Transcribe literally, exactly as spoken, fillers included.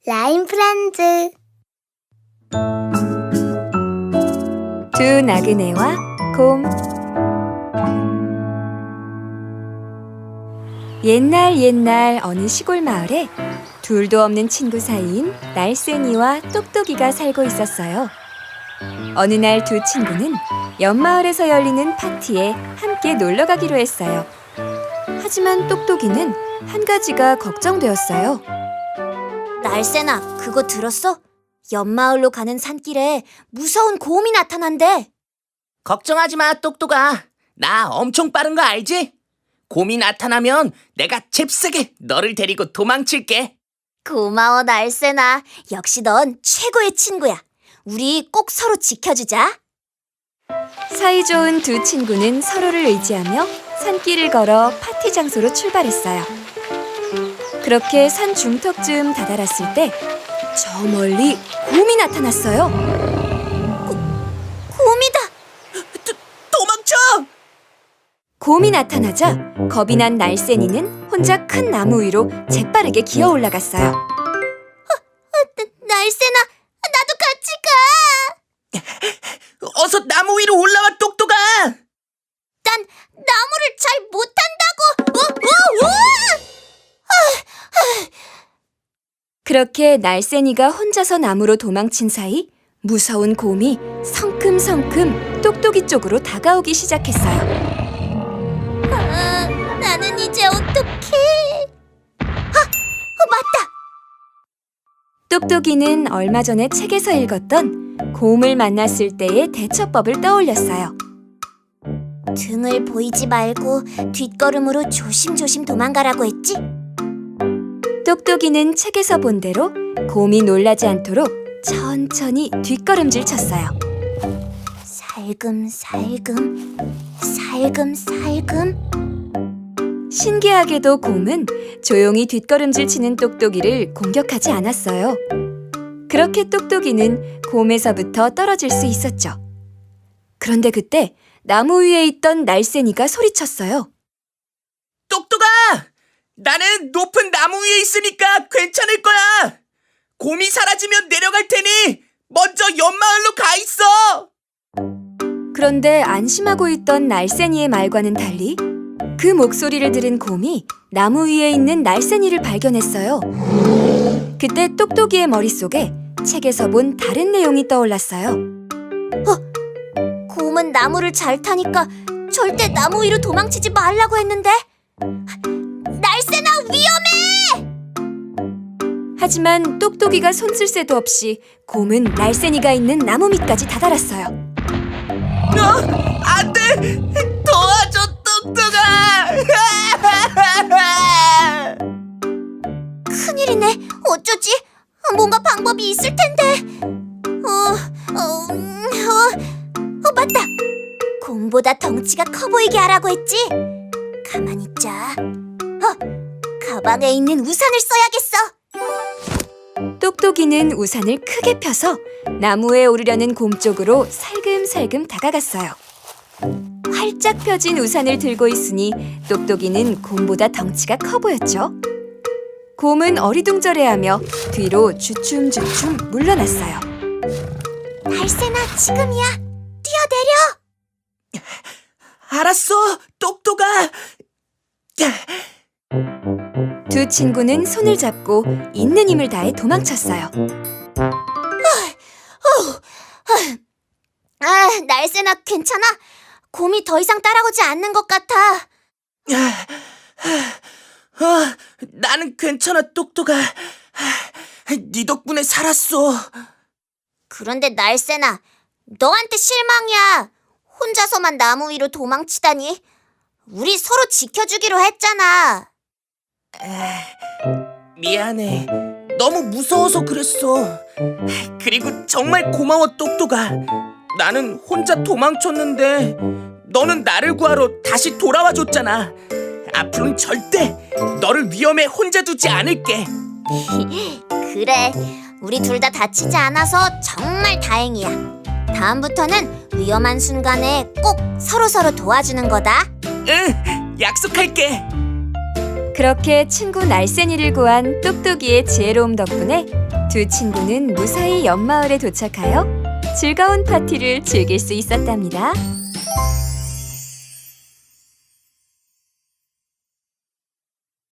라임 프렌즈. 두 나그네와 곰. 옛날 옛날 어느 시골 마을에 둘도 없는 친구 사이인 날쌘이와 똑똑이가 살고 있었어요. 어느 날 두 친구는 옆마을에서 열리는 파티에 함께 놀러 가기로 했어요. 하지만 똑똑이는 한 가지가 걱정되었어요. 날쌘아, 그거 들었어? 옆마을로 가는 산길에 무서운 곰이 나타난대. 걱정하지 마, 똑똑아. 나 엄청 빠른 거 알지? 곰이 나타나면 내가 잽싸게 너를 데리고 도망칠게. 고마워, 날쌘아. 역시 넌 최고의 친구야. 우리 꼭 서로 지켜주자. 사이좋은 두 친구는 서로를 의지하며 산길을 걸어 파티 장소로 출발했어요. 그렇게 산 중턱쯤 다다랐을 때 저 멀리 곰이 나타났어요. 곰이다. 도, 도망쳐! 곰이 나타나자 겁이 난 날쌘이는 혼자 큰 나무 위로 재빠르게 기어 올라갔어요. 나, 날쌘아, 나도 같이 가. 어서 나무 위로 올라와, 똑똑아! 난 나무를 잘 못한다고. 우, 우, 우! 그렇게 날쌘이가 혼자서 나무로 도망친 사이 무서운 곰이 성큼성큼 똑똑이 쪽으로 다가오기 시작했어요. 아, 나는 이제 어떡해? 아, 어, 맞다. 똑똑이는 얼마 전에 책에서 읽었던 곰을 만났을 때의 대처법을 떠올렸어요. 등을 보이지 말고 뒷걸음으로 조심조심 도망가라고 했지? 똑똑이는 책에서 본 대로 곰이 놀라지 않도록 천천히 뒷걸음질 쳤어요. 살금살금, 살금살금. 신기하게도 곰은 조용히 뒷걸음질 치는 똑똑이를 공격하지 않았어요. 그렇게 똑똑이는 곰에서부터 떨어질 수 있었죠. 그런데 그때 나무 위에 있던 날쌘이가 소리쳤어요. 똑똑아! 나는 높은 나무 위에 있으니까 괜찮을 거야! 곰이 사라지면 내려갈 테니 먼저 옆마을로 가 있어! 그런데 안심하고 있던 날쌘이의 말과는 달리 그 목소리를 들은 곰이 나무 위에 있는 날쌘이를 발견했어요. 그때 똑똑이의 머릿속에 책에서 본 다른 내용이 떠올랐어요. 곰은 나무를 잘 타니까 절대 나무 위로 도망치지 말라고 했는데. 날쌘아, 위험해! 하지만 똑똑이가 손 쓸 새도 없이 곰은 날쌘이가 있는 나무 밑까지 다다랐어요. 어? 안 돼! 도와줘, 똑똑아! 큰일이네. 어쩌지? 뭔가 방법이 있을 텐데. 어, 어, 음, 어, 어, 맞다. 곰보다 덩치가 커 보이게 하라고 했지? 가만히 있자. 어, 가방에 있는 우산을 써야겠어. 똑똑이는 우산을 크게 펴서 나무에 오르려는 곰 쪽으로 살금살금 다가갔어요. 활짝 펴진 우산을 들고 있으니 똑똑이는 곰보다 덩치가 커 보였죠. 곰은 어리둥절해하며 뒤로 주춤주춤 물러났어요. 날쌘아, 지금이야. 뛰어내려. 알았어, 똑똑아! 두 친구는 손을 잡고 있는 힘을 다해 도망쳤어요. 아, 날쌘아, 괜찮아? 곰이 더 이상 따라오지 않는 것 같아. 어, 나는 괜찮아, 똑똑아. 네 덕분에 살았어. 그런데 날쌘아, 너한테 실망이야. 혼자서만 나무 위로 도망치다니. 우리 서로 지켜주기로 했잖아. 미안해. 너무 무서워서 그랬어. 그리고 정말 고마워, 똑똑아. 나는 혼자 도망쳤는데 너는 나를 구하러 다시 돌아와줬잖아. 앞으로는 절대 너를 위험에 혼자 두지 않을게. 그래, 우리 둘 다 다치지 않아서 정말 다행이야. 다음부터는 위험한 순간에 꼭 서로서로 도와주는 거다. 응, 약속할게. 그렇게 친구 날쌘이를 구한 똑똑이의 지혜로움 덕분에 두 친구는 무사히 옆마을에 도착하여 즐거운 파티를 즐길 수 있었답니다.